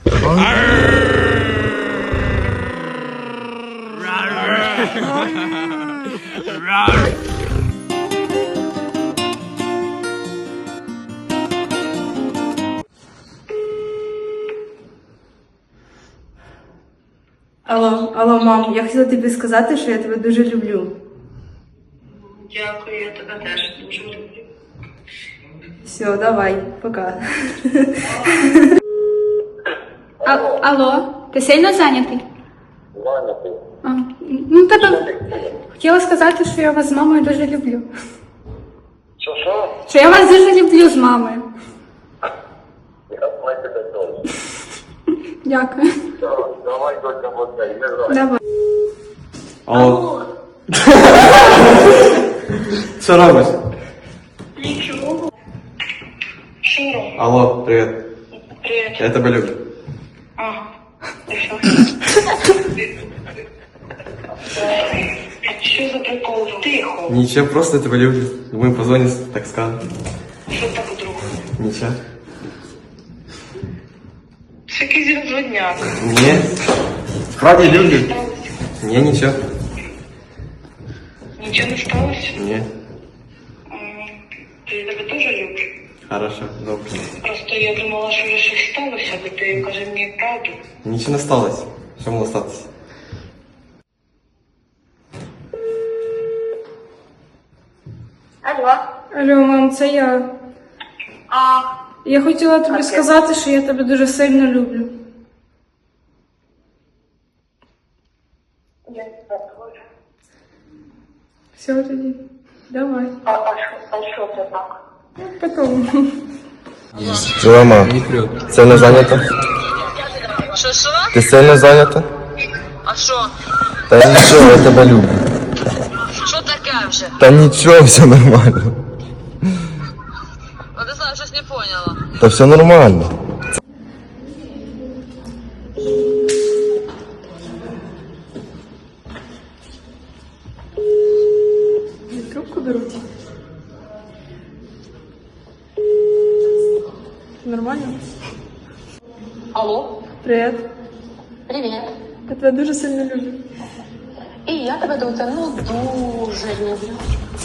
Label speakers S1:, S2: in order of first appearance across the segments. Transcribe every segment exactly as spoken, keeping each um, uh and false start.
S1: Алло, алло, мам, я хотіла тобі сказати, що я тебе дуже люблю.
S2: Дякую, я тебе теж дуже люблю.
S1: Все, давай, пока.
S3: А, алло, ти сильно зайнятий?
S4: Зайнятий.
S3: А, ну, тебе хотіла сказати, що я вас з мамою дуже люблю.
S4: Що, що?
S3: Що я вас дуже люблю з мамою.
S4: Я знаю тебе теж.
S3: Дякую.
S4: Давай, доця, вот цей, не грай.
S3: Давай.
S5: Алло. Що робиш?
S2: Нічого. Що робиш?
S5: Алло, привіт.
S2: Привіт.
S5: Я тебе люблю.
S2: Ага. І що? Що за прикол? Тихо.
S5: Нічого, просто тебе люблю. Думаю, позвоню, так скажу.
S2: Що так вдруг?
S5: Нічого.
S2: Це якийсь розводняк.
S5: Ні. Справді люблю.
S2: Сталося?
S5: Ні, нічого.
S2: Нічого не сталося?
S5: Ні.
S2: М, Я тебе теж люблю.
S5: Хорошо, добре.
S2: Просто я думала, що вже щось сталося, бо ти каже мені правду.
S5: Нічого не сталося. Що могло статися?
S2: Алло.
S1: Алло, мам, це я.
S2: А,
S1: Я хотіла тобі сказати, що я тебе дуже сильно люблю.
S2: я тебе теж.
S1: Все тоді. Давай.
S2: А, а що, а що це так?
S1: Потом.
S6: Мама, це не зайнято?
S2: Що, що?
S6: Ти сильно зайнята?
S2: А що?
S6: Та нічого, я тебе люблю.
S2: Що таке вже?
S6: Та нічого, все нормально.
S2: А ти знаєш, щось не поняла.
S6: Та все нормально.
S1: Трубку беруть. Нормально?
S7: Алло,
S1: Привіт.
S7: привіт.
S1: Я тебе дуже сильно люблю.
S7: І я тебе, доця, ну дуже люблю.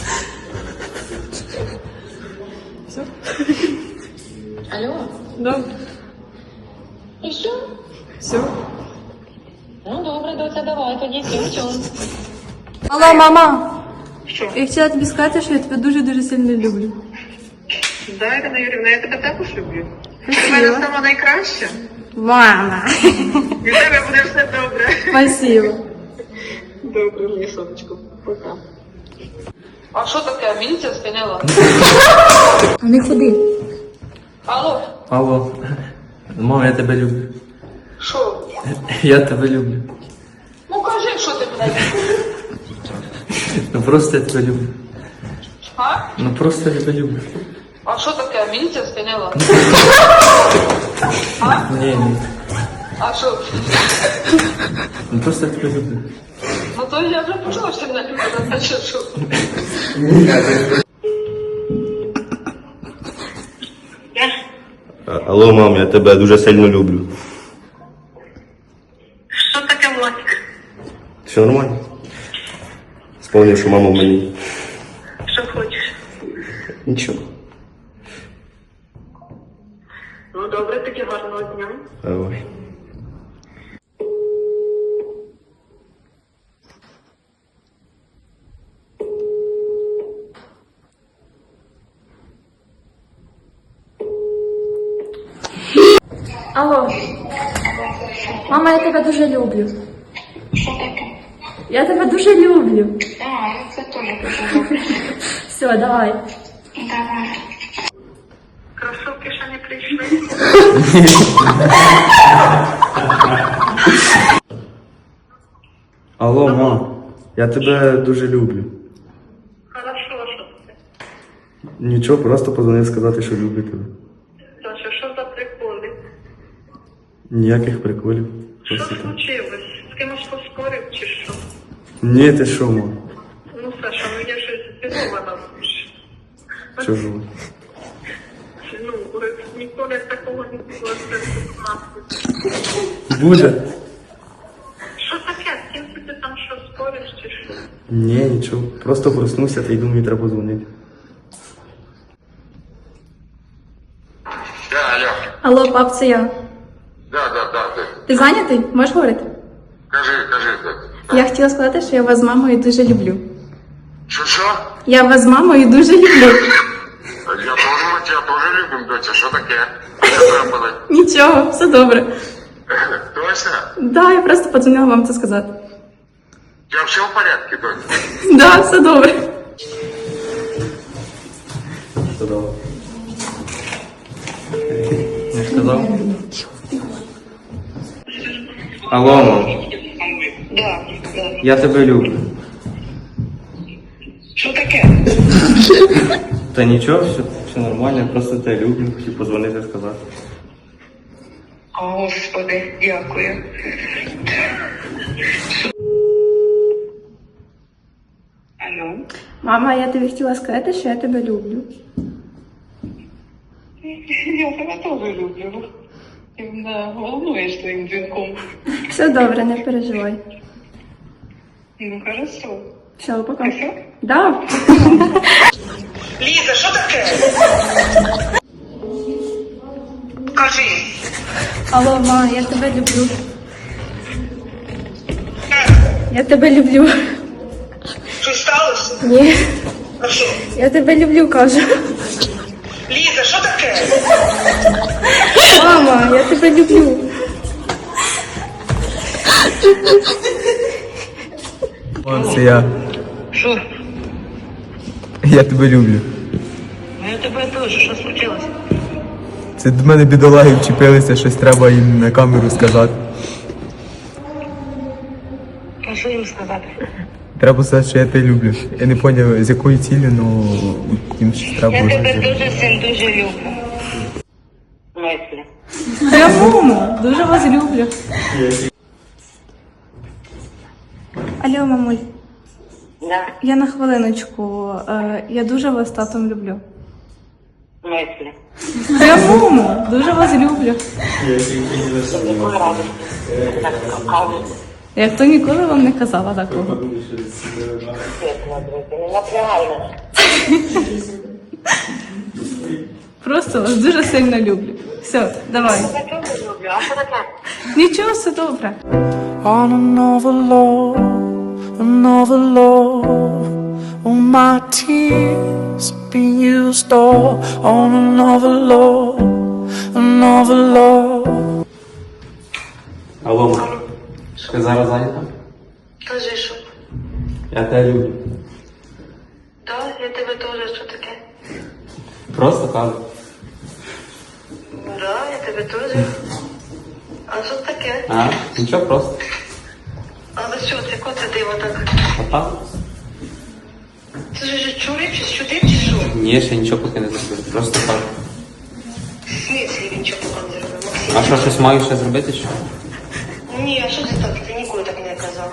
S1: Все?
S7: Алло,
S1: Да.
S7: і що?
S1: Все.
S7: Ну добре, доця, давай тоді сім-чом.
S1: Алло, мама.
S2: Що?
S1: Я хотіла тобі сказати, що я тебе дуже-дуже сильно люблю.
S2: Да, Ірина Юрівна, я тебе також люблю. Ти в мене сама найкраща.
S1: Мама.
S2: І в тебе буде все добре.
S1: Спасибо.
S2: Добре, моє сонечко. Пока. А що таке? Міліція спиняла?
S1: А не ходи.
S2: Алло,
S5: Алло. Мама, я тебе люблю.
S2: що?
S5: Я тебе люблю.
S2: Ну кажи, що ти мене любиш.
S5: Ну просто я тебе люблю.
S2: А?
S5: Ну просто я тебе люблю.
S2: А що таке? Міліція спиняла?
S5: Ні, ні.
S2: А що?
S5: Ну просто я тебе люблю.
S2: Ну то я вже почула, що ти мене любиш, а значить що?
S4: Алло, мам, я тебе дуже сильно люблю.
S2: Що таке, Владик?
S4: Все нормально? Сповнив, що мама в мені.
S2: Що хочеш?
S4: Нічого.
S2: Ну добре, таки гарного дня.
S4: Давай.
S1: Алло. Мама, я тебе дуже люблю.
S2: Що таке?
S1: Я тебе дуже люблю.
S2: А, це теж дуже добре.
S1: Все, давай.
S2: Давай. Кросовки ще не прийшли?
S5: Алло, мам. Я тебе дуже люблю.
S2: Хорошо, що це?
S5: Нічого, просто позвонив сказати, що люблю тебе.
S2: Саша, що за приколи?
S5: Ніяких приколів.
S2: Що
S5: Просто так.
S2: случилось? З кимось поспорив чи що?
S5: Ні, ти що, мам?
S2: Ну, Саша, ну я щось здивована.
S5: Чужу.
S2: Ну, ніколи такого сьогодні було шістнадцять.
S5: Буде.
S2: Що таке? З ким ти там що спориш чи що?
S5: Ні, нічого. Просто проснувся та й думаю, треба дзвонити.
S8: Да, алло.
S1: Алло, пап, це я.
S8: Да, да, да, да.
S1: Ти зайнятий? Можеш говорити?
S8: Кажи, кажи, да.
S1: Я хотіла сказати, що я вас з мамою дуже люблю.
S8: Що, що?
S1: Я вас з мамою дуже люблю.
S8: Я тоже, ми тебя тоже любим, доця. Що таке? Що трапилось?
S1: Нічого, все добре.
S8: Точно?
S1: Да, я просто подзвонила вам це сказати.
S8: У тебя все в порядке, доця?
S1: Да, все добре.
S5: Все добре. Я ж казав. Алло, мам.
S2: Да, да.
S5: Я тебе люблю.
S2: Що таке?
S5: Та нічого, все, все нормально, я просто тебе люблю, хотів позвонити сказати.
S2: О, Господи, дякую. Алло?
S1: Мама, я тобі хотіла сказати, що я тебе люблю.
S2: Я тебе теж люблю. Ти мене волнуєш своїм дзвінком.
S1: Все добре, не переживай.
S2: Ну, хорошо.
S1: Все, пока.
S2: Все?
S1: Да.
S2: Ліза, що таке? Кажи.
S1: Алло, ма, я тебе люблю. Я тебе люблю.
S2: Що сталося?
S1: Ні,
S2: А що?
S1: я тебе люблю, кажу.
S2: Ліза, що таке?
S1: Мама, я тебе люблю.
S9: Це я.
S2: Що?
S9: Я тебе люблю.
S2: Я тебе теж, що случилось?
S9: Це до мене бідолаги вчепилися, щось треба їм на камеру сказати.
S2: А що їм сказати?
S9: Треба сказати, що я тебе люблю. Я не зрозумів, з якою ціллю, але їм щось треба
S2: Я
S9: було
S2: тебе
S9: сказати.
S2: дуже син дуже люблю. Мислі.
S1: Прямо, дуже вас люблю. Алло, мамуль,
S2: Да,
S1: я на хвилиночку. Е, Я дуже вас з татом люблю.
S2: мислі.
S1: Прямо, дуже вас люблю.
S2: Якої радості. Так, кажуть.
S1: Я то ніколи вам не казала такого.
S2: Чесно, друзі, не напрягай нас.
S1: Просто вас дуже сильно люблю. Все, давай.
S2: Я тебе дуже люблю, а що таке?
S1: Нічого, все добре.
S10: On another love, another love. All my tears being used all on another love, another love.
S5: Алло, мам. Ти зараз зайнята?
S2: Кажи, що?
S5: Я тебе люблю.
S2: Так, я тебе теж, що таке?
S5: Просто кажу.
S2: Да, я тебе теж. А що таке?
S5: А, нічого, просто.
S2: Але що, це коце диво так?
S5: Папа?
S2: Це ж вже чує, чи сюди, чи що?
S5: Ні, ще нічого поки не зробив. Просто кажу.
S2: В смислі він чого поки не зробив, Максим?
S5: А що, щось маю ще зробити, що?
S2: Ні, а що ти так? Ти ніколи так не казав.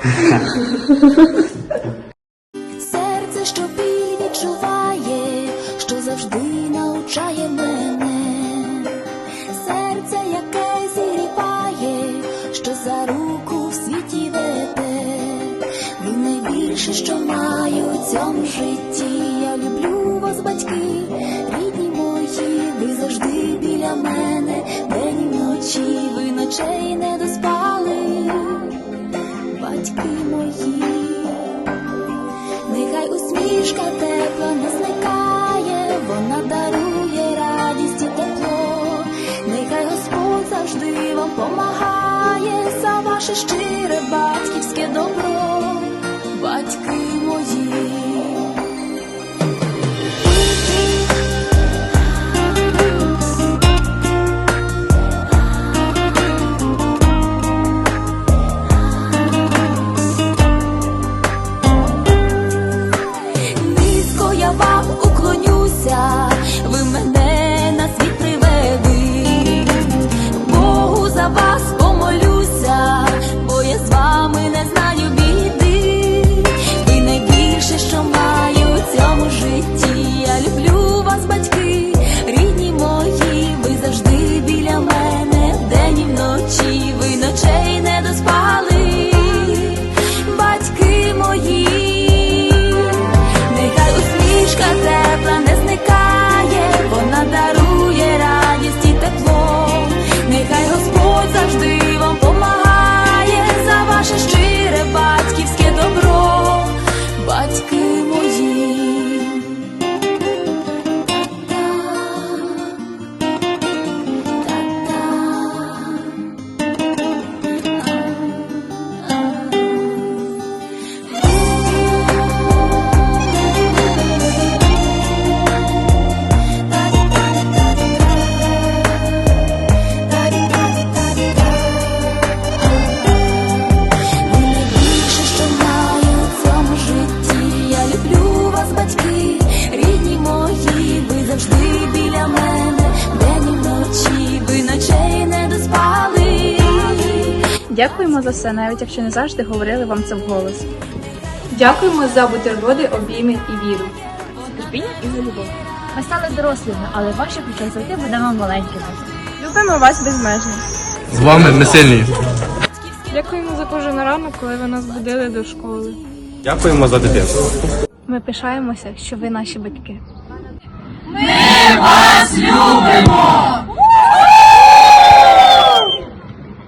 S11: Серце, що біль відчуває, що завжди навчає мене. Серце, яке зігріває, що за руку в світі веде. Ви найбільше, що маю у цьому житті. Я люблю вас, батьки, рідні мої. Ви завжди біля мене, день і вночі. Ви ночей не доспали, батьки мої. Нехай усмішка тепла не зникає, вона дарує радість і тепло. Нехай Господь завжди вам помагає за ваше щире батьківське добро, батьки мої. Низько я вам уклонюся, ви мене на світ привели. Богу за вас помолюся, бо я з вами не знаю більше.
S3: Дякуємо за все, навіть якщо не завжди говорили вам це вголос.
S1: Дякуємо за бутерброди, обійми і віру.
S3: Терпіння і за любов.
S12: Ми стали дорослими, але в ваших очах завжди будемо маленькими.
S3: Любимо вас безмежно.
S9: З вами ми сильні.
S3: Дякуємо за кожен ранок, коли ви нас будили до школи.
S5: Дякуємо за дитинство.
S3: Ми пишаємося, що ви наші батьки.
S10: Ми вас любимо!